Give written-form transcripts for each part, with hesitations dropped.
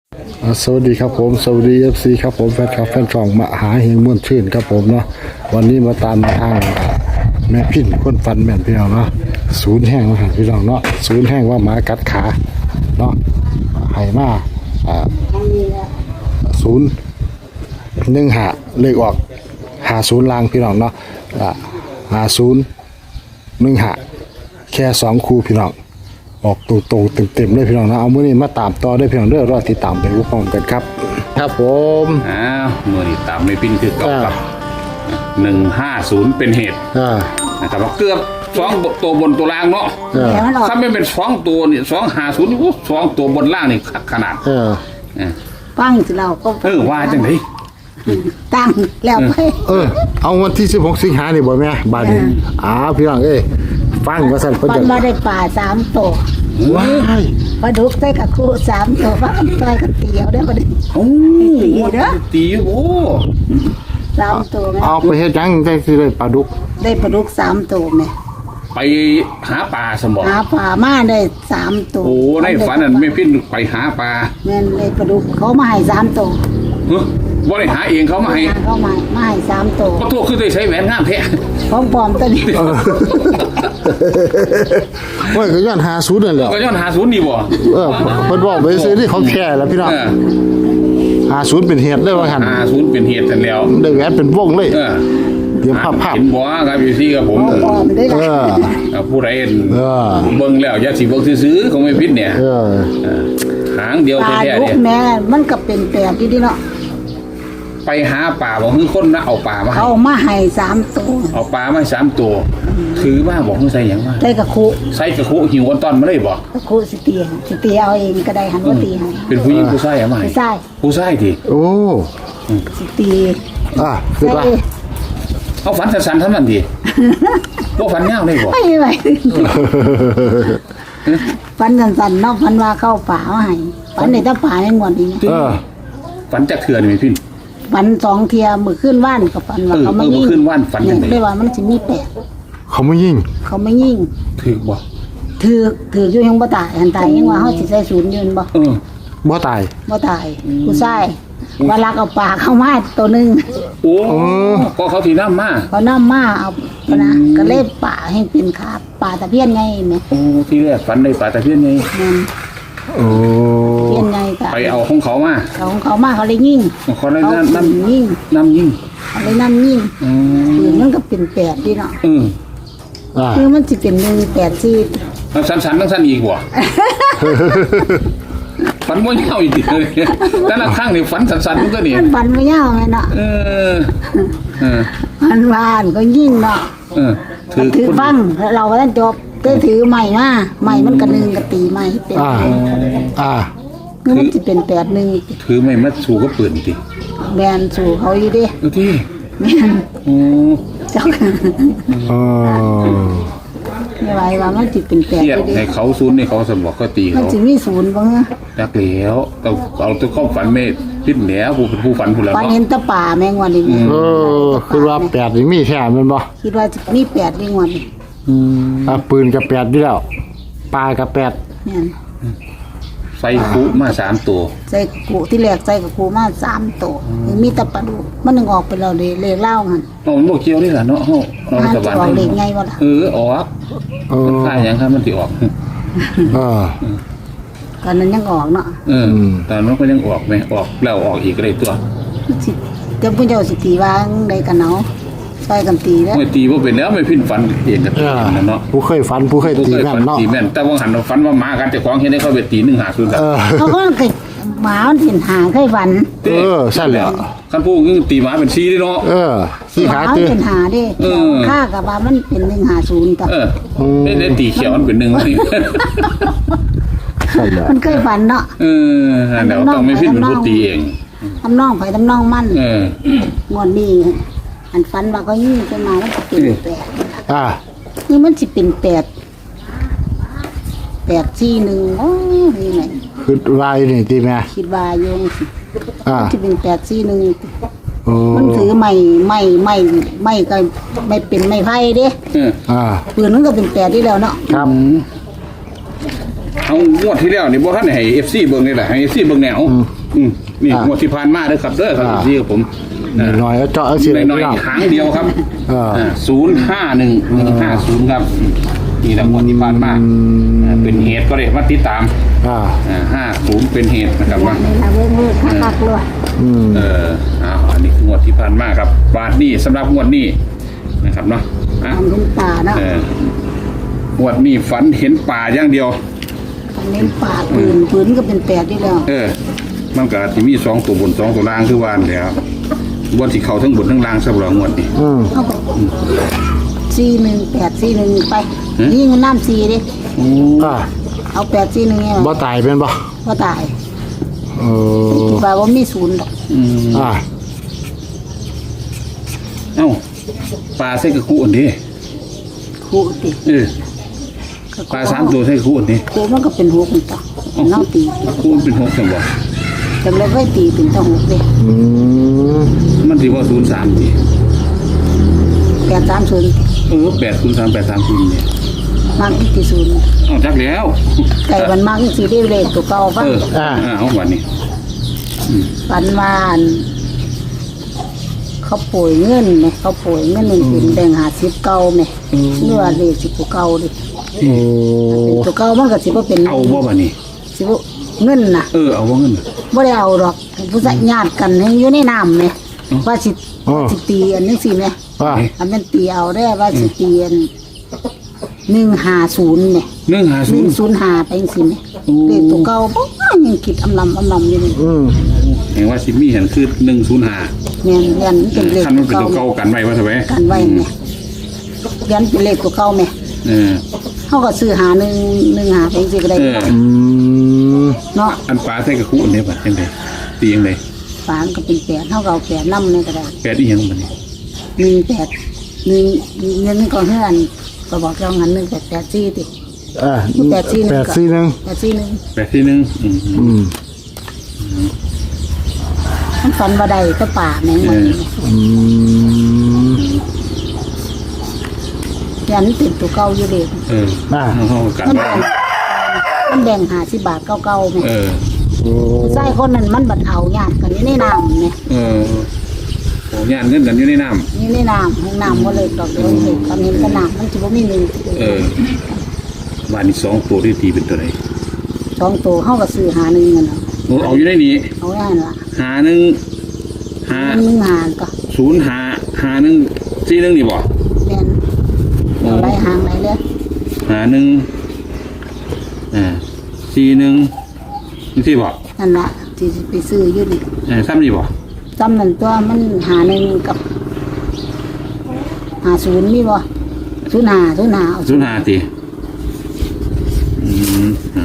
สวัสดีครับผมสวัสดีFCครับผมแฟนคลับแฟนช่องมหาเฮงม่วนชื่นครับผมเนาะวันนี้มาตามทางแม่พินคนฟันแม่นพี่น้องเนาะศูนย์แห้งมาหาพี่น้องเนาะศูนย์แห้งว่าหมากัดขาเนาะให้มา015เลขออก50ลางพี่น้องเนาะ5015แค่2คู่พี่น้องออกตรงๆเต็มๆเลยพี่น้องนะเอามื้อนี้มาตามต่อได้พี่น้องเด้อรอติดตามไปพร้อมกันครับครับผมมือนี่ตามไม่ปิ้นคือกับ150เป็นเหตุนะครับว่าเกือบ2ตัวบนตัวล่างเนาะถ้าไม่เป็น2ตัวนี่250นี่2ตัวบนล่างนี่ขนาดฟังสิเราก็ว่าจังได๋ตั้งแล้วไปเอาวันที่16สิงหานี่บ่แม่บาดนี้พี่น้องฟังว่าซั่นเพิ่นจะมาได้ป่า3ตัวว้ายปลาดุกใส่กับคู่3ตัวว่าใส่กับเตียวได้บ่ได้ตีเด้อตีโอ้ 3ตัวแม่เอาไปเฮ็ดจังได้สิได้ปลาดุกได้ปลาดุก3ตัวแม่ไปหาปลาสมบ่หาปลามาได้3ตัวโอ้ในฝันนั่นไม่ปิ้นไปหาปลาแม่นเลยปลาดุกเขามาให้3ตัวบ่ได้หาเองเขามาให้เขามาให้3ตัวขอโทษคือได้ใช้แหวนงามแท้ของปลอมตัวนี้โอ้ยก็ย้อน50นั่นแหละก็ย้อน50นี่บ่เพิ่นบอกไปซื้อที่ของแท้แล้วพี่น้อง50เป็นเหตุเลยว่าหั่น 50เป็นเหตุกันแล้วได้แหวนเป็นวงเลยเดี๋ยวภาพเห็นบ่ครับอยู่ที่กับผมปลอมได้ผู้ใดเบิ่งแล้วอย่าสิเบิ่งซื่อๆของไม่ผิดเนี่ยหางเดียวแท้ๆเนี่ยแม่มันก็เป็นแปลกอยู่ดิเนาะไปหาป่าบอกคือคนนะเอาป่ามาเขามาให้3ตัวเอาป่ามา3ตัวถือมาบอกใส่หยังมาใส่กระคุหิวกันตอนมาเลยบ่กระคุสิเตียเอาเองก็ได้หันว่าตีให้เป็นผู้หญิงผู้ชายอ่ะมาผู้ชายดิโอ้สิตีคือว่าเอาฝันสั้นๆเท่านั้นดิบ่ฝันยาวเลยบ่ไม่ฝันสั้นๆเนาะฝันว่าเข้าป่าให้ฝันในตาป่าในงวดนี้ฝันจักเทื่อนี่พี่ฝัน2เที่ยมื้อคืนว่านกับฝันว่าเขามายิงคืนว่านฝันจังได๋ได้ว่ามันสิมี8 เขาไม่ยิงถูกบ่ถืออยู่ยังบ่ตายอันตายยังว่าเฮาสิใส่ศูนย์ยืนบ่บ่ตายผู้ชายว่าลักเอาปลาเข้ามาตัวนึงโอ้ก็เขาสินำมาเขานำมาเอานะก็เลยป่าให้เป็นขาปลาตะเพียนไงแม่โอ้ที่แรกฝันได้ปลาตะเพียนไงโอ้เพียนไงไปเอาของเขามาเขาเลยยิงเขาเลยนั่นยิงเขาเลยนั่นยิงปืนมันก็เป็น8ดิเนาะคือมันสิเป็น184 สั้นๆสั้นอีกบ่ฝันบ่ยาวอีกเลยแต่ละครั้งนี่ฝันสั้นๆมันก็นี่ฝันบ่ยาวไงเนาะมันวานก็ยิงเนาะถือฟังเราก็ต้องจบได้ถือใหม่มาใหม่มันก็1ก็ตีใหม่เป็นคือมันสิเป็น81 ถือไม่มาสู้ก็ปืนติแม่นสู้เขาอยู่ดิที่แม่นเจ้าไม่ไหวว่ามันสิเป็น8 อยู่ดิให้เขาศูนย์ให้เขาสมบอกก็ตีเขามันสิมีศูนย์บ่จักแล้วเอาตัวเข้าฝันไม่พิษแหนผู้เป็นผู้ฝันผู้แล้วฝันเห็นตะป่าแมงวันนี้คือว่า8นี่มีแท้แม่นบ่คิดว่ามี8นี่วันนี้ปืนกับ8อยู่แล้วปลากับ8แม่นใส่กุมา3ตัวใส่กุที่แรกใส่กับกุมา3ตัวมีตะปลาดุมันนึงออกไปแล้วเลขเล่าหั่นมันบ่เกี่ยวนี่ล่ะเนาะเฮาสวรรค์เลขไงบ่ล่ะออกค่าหยังครับมันสิออกตอนนั้นยังออกเนาะตอนนั้นก็ยังออกมั้ยออกแล้วออกอีกก็ได้ตัวจะผู้เจ้าสิตีว่าได้กันเนาะใส่กันตีแล้วไม่ตีบ่เป็นแล้วไม่พินฝันเองกันเนาะผู้เคยฝันผู้เคยตีแม่นเนาะตีแม่นแต่ว่าหันฝันว่าหมากันเจ้าของเฮ็ดให้เขาไปตี150ครับเขาก็หมามันสิหาเคยฝันซั่นแหละคันผู้ตีหมาเป็น4ดิเนาะ 4ขาตื้อเป็นหาดิค่ากับว่ามันเป็น150ต่อได้ตีเขียวมันเป็น1 มันเคยฝันเนาะแล้วต้องไม่พินเป็นผู้ตีเองทำน้องไปทำน้องมันงวดนี้อันฝันว่าก็ยิ่งขึ้นมาแล้วจะเป็น8นี่มันสิเป็น841โอ้ยไงคือวายนี่ติแม่คิดว่าโยงสิจะเป็น841มันถือไม่ก็ไม่เป็นไม่ไผ่เด้ปืนมันก็เป็น8ที่แล้วเนาะครับเอางวดที่แล้วนี่บ่ทันได้ให้ FC เบิ่งนี่แหละให้ FC เบิ่งแนวนี่งวดที่ผ่านมาเด้อครับเด้อครับ FC กับผมหน่อยแล้วเจาะเอาสิน้อยๆหางเดียวครับ051 150ครับนี่แหละงวดที่ผ่านมาเป็นเหตุก็ได้มาติดตาม50เป็นเหตุนะครับว่านี่ละเว้ยคักๆเลยอันนี้คืองวดที่ผ่านมาครับบาทนี้สำหรับงวดนี้นะครับเนาะทำเป็นป่าเนาะงวดนี้ฝันเห็นป่าอย่างเดียวทำเป็นป่าปืนก็เป็น8อยู่แล้วมันก็สิมี2ตัวบน2ตัวล่างคือว่าแล้วบนที่เข้าทั้งบนทั้งล่างสำหรับงวดนี้เอาไป41 841ไปยิงน้ำ4ดิ เอา841ไงบ่ตายเป็นบ่บ่ตายเออแปลว่ามี0ดอกเอ้าปลาใส่กระคุอันนี้คู่ติปลา3ตัวใส่กระคุอันนี้คู่มันก็เป็น6มันต่อเนาตีคุมันเป็น6จังบ่จังเลยไว้ตีเป็นตั้ง6เด้มันสิว่า03ติ 830 803 830นี่มากที่สุดเอาจักแล้วไก่มันมากที่สุดได้เลขตัวเก่าป่ะเอาวันนี้ปันวานเขาป่วยเงินไหมเขาป่วยเงินเป็นแบ่ง50เก่าไหมเนื้อเลขสิบเก่าดิเป็นตัวเก่ามันก็สิบ่เป็นเอาบ่บัดนี้สิบ่เงินน่ะเอาบ่เงินบ่ได้เอาดอกผู้สัญญาติกันให้อยู่ในน้ำไหมว่าสิตีอันนี้สิไหมอันนั้นตีเอาได้ว่าสิตีอัน150เนี่ย 105ไปจังซี่แหมเลขตัวเก่าบ่ยังคิดอำลำอยู่นี่เห็นว่าสิมีเห็นคือ105 แม่นเรียนเป็นเลขคันมันเป็นตัวเก่ากันไว้ว่าซั่นแหมกันไว้แม่เรียนเป็นเลขตัวเก่าแม่เฮาก็ซื้อหา115ไปจังซี่ก็ได้เนาะอันปลาใส่กระคุอันนี้บัดจังได๋ตีจังได๋ฝานก็เป็น8เฮาก็เอา8นำนี่ก็ได้ 8อีหยังบัดนี้ 18เงินก่อนเฮือนก็บอกเจ้างั้น1884ติ841 มันฝันว่าได้ก็ป่าแม่งมันยันติดตัวเก่าอยู่เด็กเฮากันมันแบ่ง50บาทเก่าๆแม่ ใส่คนนั้นมันบัดเอาญาติกันอยู่ในน้ำแม่โอ้ญาติเงินกันอยู่ในน้ำอยู่ในน้ำห้องน้ำบ่เลยดอกเดียวเลยตอนนี้ก็น้ำมันสิบ่มีหนึ่งบ้านนี้2ตัวที่ตีเป็นตัวใด 2ตัวเฮาก็ซื้อหาหนึ่งนั่นน่ะเอาอยู่ในนี้เอาได้ล่ะหา1 1หาก็ 0หา1 41นี่บ่แม่นเอาได้หางไหนเลยหา1 41นี่สิบ่นั่นล่ะที่สิไปซื้ออยู่นี่ซ้ำนี่บ่จำนั่นตัวมันหาหนึ่งกับ50มีบ่05เอา 05ติเอา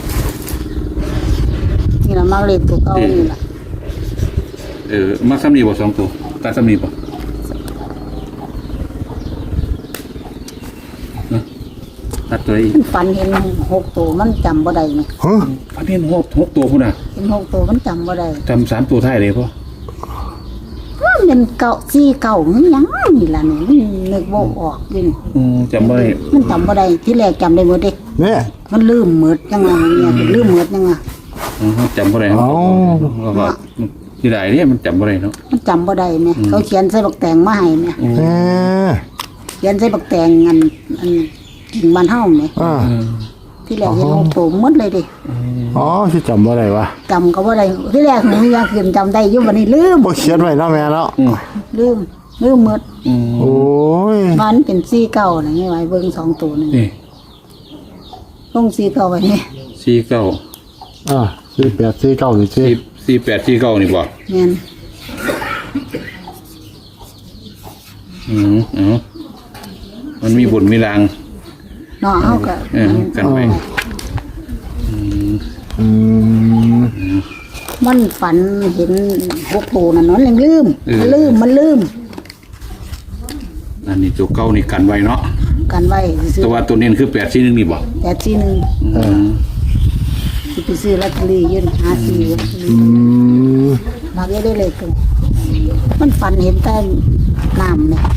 นี่ล่ะมักเลขตัวเก่านี่ล่ะมาซ้ำนี่บ่2ตัวตัดซ้ำนี่บ่ตัดตัวอีกฝันเห็น6ตัวมันจำบ่ได้แม่พันเห็น6ตัวพุ่นน่ะเห็น6ตัวมันจำบ่ได้จำ3ตัวท้ายเลยพ่อมันเป็นเก่า4เก่ามันหยังนี่ล่ะนี่มันนึกบ่ออกอยู่นี่จำบ่ได้มันจำบ่ได้ที่แรกจำได้หมดเด้เนี่ยมันลืมหมดจังว่าเนี่ยลืมหมดจังว่าจำบ่ได้ว่าที่ใดเนี่ยมันจำบ่ได้เนาะมันจำบ่ได้แม่เขาเขียนใส่บักแตงมาให้แม่เขียนใส่บักแตงอันกิ่งบ้านเฮาแม่ที่แรกเห็น6ตัวหมดเลยเด้ที่จำบ่ได้วะจำก็บ่ได้ที่แรกหนูยังคืนจำได้อยู่บัดนี้ลืมบ่เขียนไว้เนาะแม่เนาะลืมหมดโอ้ยมันเป็น4เก่าน่ะไงไว้เบิ่ง2ตัวนึงนี่ลง4เก่าไว้นี่ 49 4849นี่สิ 4849นี่บ่แม่นมันมีบุญมีรางเนาะเฮาก็กันไปมันฝันเห็น6ตัวนั่นมันยังลืมมันลืมอันนี้ตัวเก่านี่กันไว้เนาะกันไว้ซื้อแต่ว่าตัวนี้คือ841นี่บ่ 841สิไปซื้อลอตเตอรี่ยืน54มาเยอะได้เลยกันมันฝันเห็นแต่น้ำเนี่ย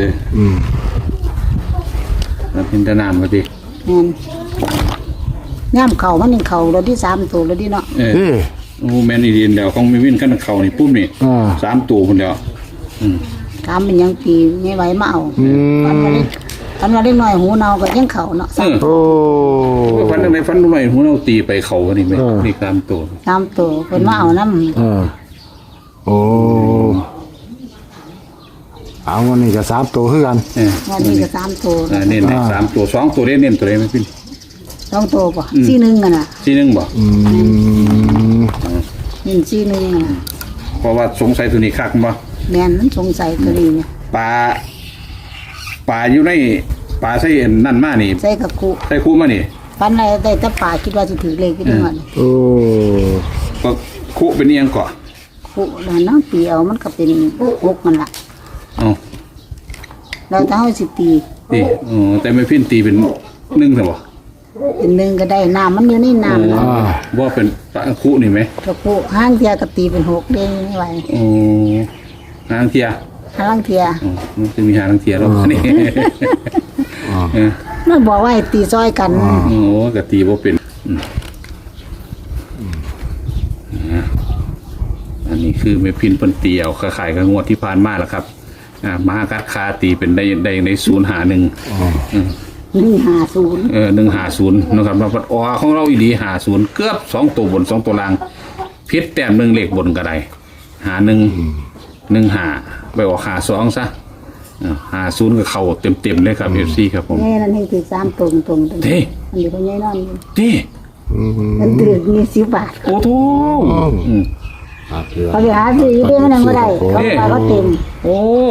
แล้วเป็นตะนามก็ดิแม่นย่ำเข่ามันยังเข่ารถที่3ตัวรถที่เนาะเออโอ้แม่นอีเดียนเดียวของมีวินกันเขานี่ปุ๊บนี่3ตัวคนเดียวถามเป็นยังปีไม่ไหวมาเอาตอนว่าเล็กน้อยหูเนาก็ยังเข่าเนาะโอ้ฟันตรงไหนฟันตรงไหนหัวเราตีไปเขานี่ไหมนี่3ตัว 3ตัวเพิ่นมาเอานำโอ้เอาวันนี้ก็3ตัวคือกันวันนี้ก็3ตัวเน้น3ตัว2ตัวเน้นตัวใดไม่พี่ 2ตัวป่ะ41กันน่ะ 41บ่เน้น41น่ะเพราะว่าสงสัยตัวนี้คักบ่แม่นมันสงสัยตัวนี้เนี่ยปลาอยู่ในปลาใส่นั่นมานี่ใส่กะกุใส่คู่มานี่ปันอะไรได้แต่ป่าคิดว่าสิถือเลขอยู่นั่นโอ้ก็คู่เป็นอีหยังก่อกุแล้วน้ำปีเอามันก็เป็น6มันล่ะแล้วถ้าเฮาสิตีนี่แต่ไม่พินตีเป็น1ซั่นบ่เป็น1ก็ได้น้ำมันอยู่ในน้ำบ่เป็นปลาคู่นี่ไหมกะกุห้างเทียก็ตีเป็น6เด้ไม่ไหวหางเทียห้างเทียมันจะมีหางเทียแล้วนี่มันบอกว่าให้ตีซอยกันก็ตีบ่เป็นอันนี้คือแม่พินเพิ่นตีเอาขายกับงวดที่ผ่านมาแล้วครับมหากัดคาตีเป็นได้ใน051 150 150นะครับมาปัดของเราอีหลี50เกือบ2ตัวบน2ตัวล่างผิดแต้ม1เลขบนก็ได้51 15ไปออก52ซะ50ก็เข้าเต็มๆเลยครับ FC ครับผมนี่นั่นให้ถือ3ตรงๆเด้อันนี้เพิ่นใหญ่นอนเด้มันถือมี10 บาทโอ้โธ่เขาไปหาซื้ออยู่ได้มันยังบ่ได้เขาไปก็เต็มโอ้